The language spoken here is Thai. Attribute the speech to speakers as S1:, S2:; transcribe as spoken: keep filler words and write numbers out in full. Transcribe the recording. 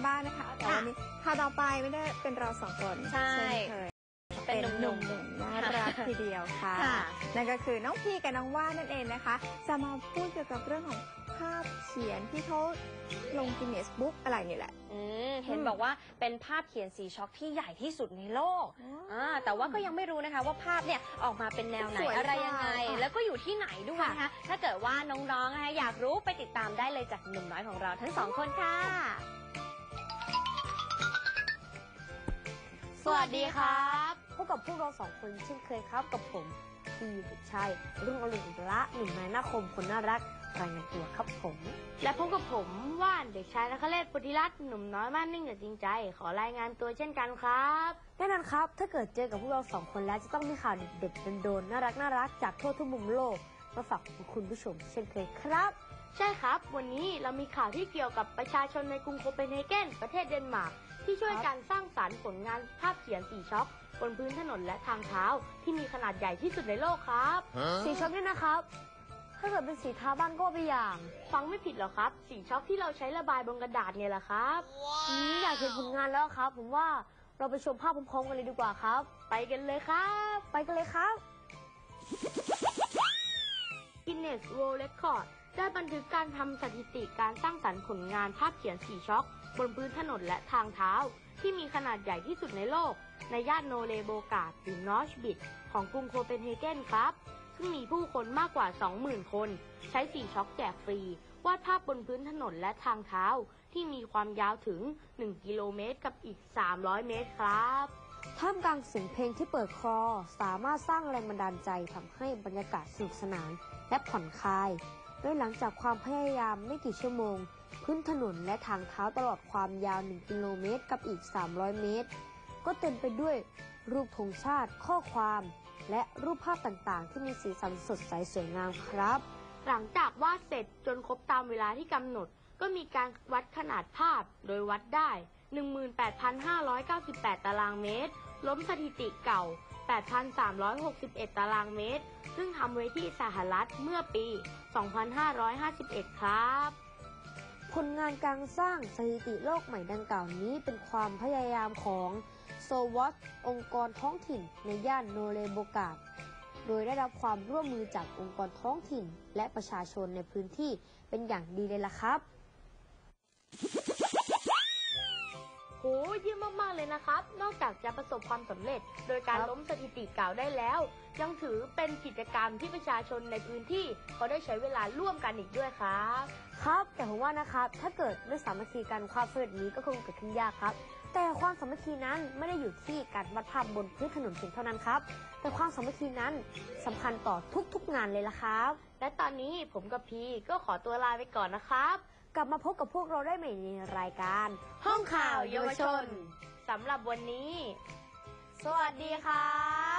S1: บ้างนะคะแต่วันนี้ข่าวต่อไปไม่ได้เป็นเราสองคนใช่เป็นหนุ่มๆน่ารักทีเดียวค่ะนั่นก็คือน้องพีกับน้องว่านนั่นเองนะคะจะมาพูดเกี่ยวกับเรื่องของภาพเขียนที่เขาลงกินเนสบุ๊กอะไรนี่แหละ
S2: เห็นบอกว่าเป็นภาพเขียนสีช็อกที่ใหญ่ที่สุดในโลกแต่ว่าก็ยังไม่รู้นะคะว่าภาพเนี่ยออกมาเป็นแนวไหนอะไรยังไงแล้วก็อยู่ที่ไหนด้วยนะคะถ้าเกิดว่าน้องๆนะคะอยากรู้ไปติดตามได้เลยจากหนุ่มน้อยของเราทั้งสองคนค่ะสวัสดีครับ
S3: พบกับพวกเราสองคนเช่นเคยครับกับผมพีเด็กชายรุ่งอรุณอุตระหนุ่มนายนาคมคนน่ารักรายงานตัวครับผม
S4: และพบกับผมว่านเด็กชายนคเรศปุถิรัตน์หนุ่มน้อยมั่นนิ่งแต่จริงใจขอรายงานตัวเช่นกันครับ
S3: แน่นอนครับถ้าเกิดเจอกับพวกเราสองคนแล้วจะต้องมีข่าวเด็ดๆโดนๆน่ารักน่ารักจากทั่วทุกมุมโลกมาฝากคุณผู้ชมเช่นเคยครับ
S4: ใช่ครับวันนี้เรามีข่าวที่เกี่ยวกับประชาชนในกรุงโคเปนเฮเกนประเทศเดนมาร์กที่ช่วยการสร้างสรรค์ผลงานภาพเขียนสีช็อกบนพื้นถนนและทางเท้าที่มีขนาดใหญ่ที่สุดในโลกครับ
S3: สีช็อกนี่นะครับถ้าเกิดเป็นสีทาบ้านก็เป็นอย่าง
S4: ฟังไม่ผิดหรอครับสีช็อกที่เราใช้ระบายบนกระดาษไงล่ะครับ
S3: wow. อยากเห็นผลงานแล้วครับผมว่าเราไปชมภาพพร้อมๆกันเลยดีกว่าครับ
S4: ไปกันเลยครับ
S3: ไปกันเลยครับ
S4: Guinness World Record ได้บันทึกการทำสถิติการสร้างสรรค์ผลงานภาพเขียนสีช็อกบนพื้นถนนและทางเท้าที่มีขนาดใหญ่ที่สุดในโลกในย่านโนเลโบกาดหรือนอชบิดของกรุงโคเปนเฮเกนครับซึ่งมีผู้คนมากกว่า สองหมื่น คนใช้สีช็อกแจกฟรีวาดภาพบนพื้นถนนและทางเท้าที่มีความยาวถึงหนึ่งกิโลเมตรกับอีกสามร้อยเมตรครับ
S3: ท่ามกลางเสียงเพลงที่เปิดคลอสามารถสร้างแรงบันดาลใจทำให้บรรยากาศสนุกสนานและผ่อนคลายโดยหลังจากความพยายามไม่กี่ชั่วโมงพื้นถนนและทางเท้าตลอดความยาวหนึ่งกิโลเมตรกับอีกสามร้อยเมตรก็เต็มไปด้วยรูปธงชาติข้อความและรูปภาพต่างๆที่มีสีสันสดใสสวยงามครับ
S4: หลังจากวาดเสร็จจนครบตามเวลาที่กำหนดก็มีการวัดขนาดภาพโดยวัดได้ หนึ่งหมื่นแปดพันห้าร้อยเก้าสิบแปด ตารางเมตรล้มสถิติเก่า แปดพันสามร้อยหกสิบเอ็ด ตารางเมตรซึ่งทำไว้ที่สหรัฐเมื่อปี สองพันห้าร้อยห้าสิบเอ็ด ครับ
S3: ผลงานการสร้างสถิติโลกใหม่ดังกล่าวนี้เป็นความพยายามของโซวอตองค์กรท้องถิ่นในย่านโนเลโบกาดโดยได้รับความร่วมมือจากองค์กรท้องถิ่นและประชาชนในพื้นที่เป็นอย่างดีเลยล่ะครับ
S4: โหเยี่ยมมากๆเลยนะครับนอกจากจะประสบความสำเร็จโดยการล้มสถิติเก่าได้แล้วยังถือเป็นกิจกรรมที่ประชาชนในพื้นที่เขาได้ใช้เวลาร่วมกันอีกด้วยครับ
S3: ครับแต่ผมว่านะครับถ้าเกิดไม่สามัคคีกันความสำเร็จนี้ก็คงเกิดขึ้นยากครับแต่ความสามัคคีนั้นไม่ได้อยู่ที่การวาดภาพบนพื้นถนนเพียงเท่านั้นครับแต่ความสามัคคีนั้นสำคัญต่อทุกๆงานเลยล่ะครับ
S4: และตอนนี้ผมกับพีก็ขอตัวลาไปก่อนนะครับ
S3: กลับมาพบกับพวกเราได้ใหม่ในรายการ
S4: ห้องข่าวเยาวชนสำหรับวันนี้สวัสดีครับ